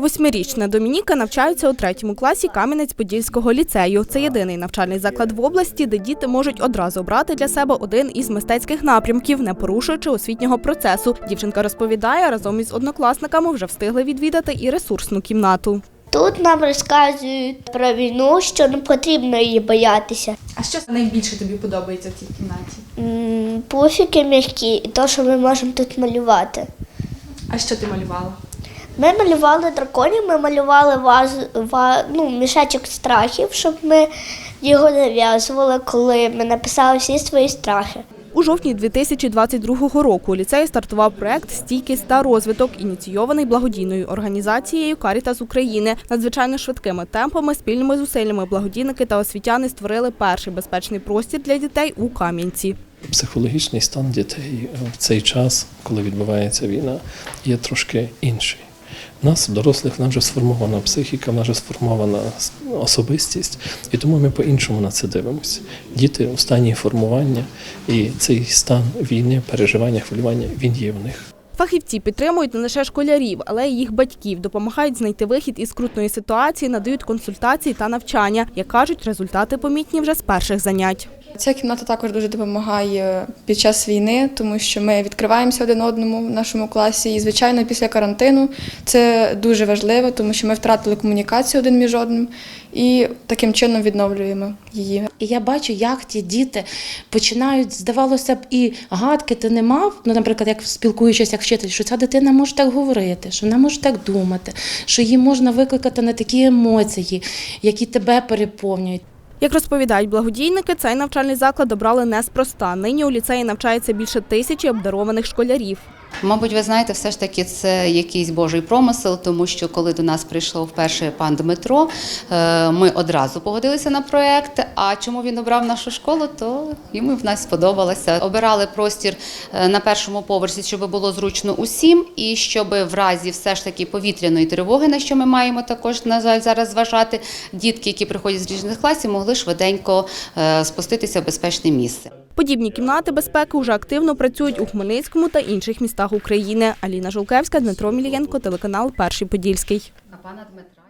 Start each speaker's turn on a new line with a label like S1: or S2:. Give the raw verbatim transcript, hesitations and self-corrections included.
S1: Восьмирічна Домініка навчається у третьому класі Кам'янець-Подільського ліцею. Це єдиний навчальний заклад в області, де діти можуть одразу обрати для себе один із мистецьких напрямків, не порушуючи освітнього процесу. Дівчинка розповідає, разом із однокласниками вже встигли відвідати і ресурсну кімнату.
S2: Тут нам розказують про війну, що не потрібно її боятися.
S3: А що найбільше тобі подобається в цій кімнаті?
S2: Пуфіки м'які і те, що ми можемо тут малювати.
S3: А що ти малювала?
S2: Ми малювали драконів, ми малювали ваз, ва, ну, мішечок страхів, щоб ми його нав'язували, коли ми написали всі свої страхи.
S1: У жовтні дві тисячі двадцять другого року у ліцеї стартував проект «Стійкість та розвиток», ініційований благодійною організацією «Карітас України». Надзвичайно швидкими темпами, спільними зусиллями благодійники та освітяни створили перший безпечний простір для дітей у Кам'янці.
S4: Психологічний стан дітей в цей час, коли відбувається війна, є трошки інший. У нас, дорослих, в нас вже сформована психіка, в нас вже сформована особистість, і тому ми по-іншому на це дивимося. Діти у стані формування, і цей стан війни, переживання, хвилювання, він є в них.
S1: Фахівці підтримують не лише школярів, але й їх батьків, допомагають знайти вихід із скрутної ситуації, надають консультації та навчання. Як кажуть, результати помітні вже з перших занять.
S5: Ця кімната також дуже допомагає під час війни, тому що ми відкриваємося один одному в нашому класі. І, звичайно, після карантину це дуже важливо, тому що ми втратили комунікацію один між одним і таким чином відновлюємо її.
S6: І я бачу, як ті діти починають, здавалося б, і гадки ти не мав, ну, наприклад, як спілкуючись як вчитель, що ця дитина може так говорити, що вона може так думати, що її можна викликати на такі емоції, які тебе переповнюють.
S1: Як розповідають благодійники, цей навчальний заклад обрали неспроста. Нині у ліцеї навчається більше тисячі обдарованих школярів.
S7: Мабуть, ви знаєте, все ж таки це якийсь Божий промисел, тому що коли до нас прийшов вперше пан Дмитро, ми одразу погодилися на проєкт, а чому він обрав нашу школу, то йому в нас сподобалося. Обирали простір на першому поверсі, щоб було зручно усім, і щоб в разі все ж таки повітряної тривоги, на що ми маємо також, на жаль, зараз зважати, дітки, які приходять з різних класів, могли швиденько спуститися в безпечне місце.
S1: Подібні кімнати безпеки вже активно працюють у Хмельницькому та інших містах України. Аліна Жолкевська, Дмитро Мілієнко, телеканал «Перший Подільський».
S7: А пана Дмитра.